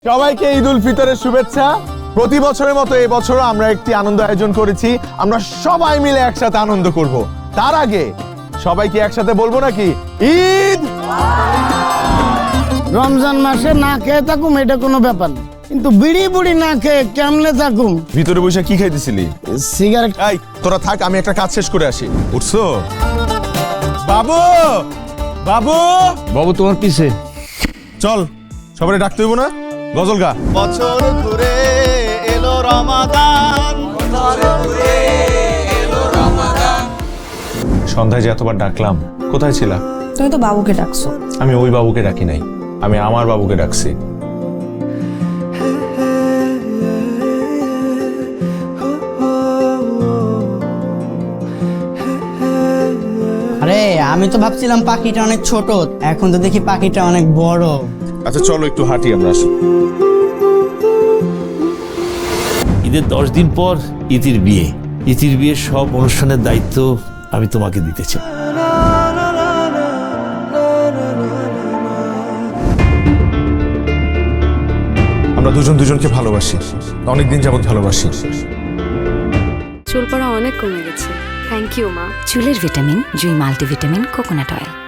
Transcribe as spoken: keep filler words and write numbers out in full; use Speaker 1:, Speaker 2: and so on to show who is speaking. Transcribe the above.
Speaker 1: সবাইকে ঈদ উল ফিতরের শুভেচ্ছা। প্রতি বছরের মতো এই বছরও আমরা একটি আনন্দ আয়োজন করেছি। আমরা সবাই মিলে একসাথে আনন্দ করব। তার আগে সবাইকে একসাথে বলবো নাকি ঈদ।
Speaker 2: রমজান মাসে না খেয়ে থাকুম এটা কোনো ব্যাপার না, কিন্তু বিড়ি বুড়ি না খেয়ে কেমনে থাকুম?
Speaker 1: ভিতরে বসে কি খাইতেছিলি?
Speaker 2: সিগারেট।
Speaker 1: এই তোরা থাক, আমি একটা কাজ শেষ করে আসি। উঠছো বাবু? বাবু
Speaker 3: বাবু তোমার পিছে।
Speaker 1: চল, সবাই ডাকতে হইব না? গজল গা।
Speaker 4: বছর ঘুরে এলো রমাদান,
Speaker 1: সন্ধ্যায় যে এতবার ডাকলাম, কোথায় ছিলা?
Speaker 5: তুমি তো বাবুকে ডাকছো।
Speaker 1: আমি ওই বাবুকে ডাকি নাই, আমি আমার বাবুকে ডাকছি।
Speaker 6: আরে আমি তো ভাবছিলাম পাখিটা অনেক ছোট, এখন তো দেখি পাখিটা অনেক বড়।
Speaker 1: আচ্ছা চলো একটু হাঁটি আমরা। আসো।
Speaker 3: ঈদের দশ দিন পর ইতির বিয়ে। ইতির বিয়ের সব অনুষ্ঠানের দায়িত্ব আমি তোমাকে দিতে চাই।
Speaker 1: আমরা দুজন দুজনকে ভালোবাসি, অনেকদিন যাবত ভালোবাসি।
Speaker 7: চুল পড়া অনেক কমে গেছে। থ্যাংক ইউ মা।
Speaker 8: চুলের vitamin Jui multivitamin coconut oil.